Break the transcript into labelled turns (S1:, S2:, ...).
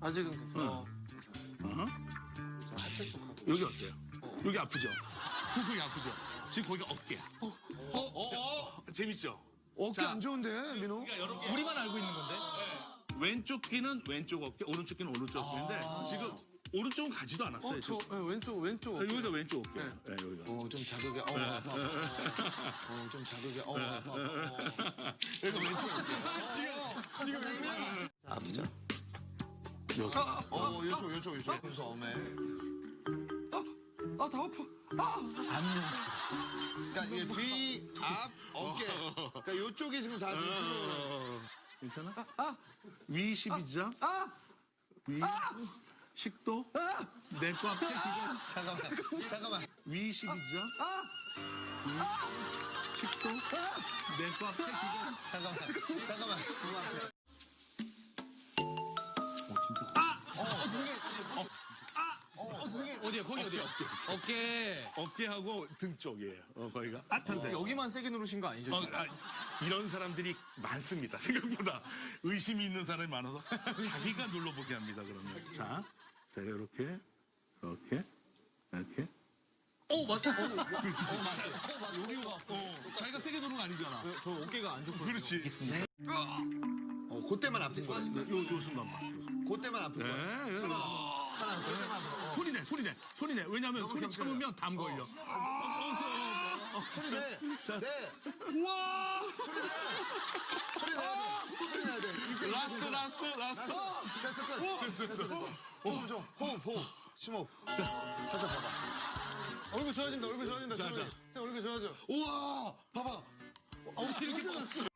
S1: 아직은 괜찮아.
S2: 여기 어때요? 여기 아프죠? 거기 아프죠? 지금 거기가 어깨야. 재밌죠?
S1: 어깨
S2: 자.
S1: 안 좋은데, 민호?
S3: 우리만 알고 있는 건데.
S2: 왼쪽 귀는 왼쪽 어깨, 오른쪽 귀는 오른쪽 어깨인데 지금 오른쪽은 가지도 않았어요.
S1: 저
S2: 지금.
S1: 왼쪽.
S2: 자, 여기가 왼쪽 어깨. 네, 여기가.
S1: 좀 자극이, 아파. 좀 자극이, 아파.
S2: 여기가 왼쪽 어깨.
S1: 지금 아프죠?
S2: 여기.
S1: 요쪽. 무서움에. 다 아파. 그러니까 이게 뒤, 앞, 어깨. 그러니까 요쪽이 지금 다 지금 필요해.
S2: 괜찮아? 위 12장. 위 식도. 내과 앞에 기가.
S1: 잠깐만.
S2: 위 12장. 위 식도. 내과 앞에 기가.
S1: 잠깐만.
S3: 어디야? 거기 어디야? 어깨.
S2: 어깨하고 등 쪽이에요. 거기가. 아탄데.
S1: 여기만 세게 누르신 거 아니죠?
S2: 이런 사람들이 많습니다. 생각보다 의심이 있는 사람이 많아서 자기가 눌러보게 합니다. 그러면 자, 이렇게.
S1: 맞다.
S2: 여기가 자기가 세게 누르는 거 아니잖아.
S1: 저 어깨가 안 좋거든요.
S2: 그렇지.
S1: 그때만 아픈 거야.
S2: 요 순간만.
S1: 그때만 아픈 거야. 그때만 아픈 거야.
S2: 소리 내. 왜냐면 소리 참으면 담 걸려.
S1: 소리 내.
S2: 우와!
S1: 소리 내야 돼.
S2: 라스트.
S1: 됐어. 호흡. 심호흡. 살짝 봐봐. 얼굴 좋아진다.
S2: 자.
S1: 얼굴 좋아져. 우와, 봐봐.
S3: 이렇게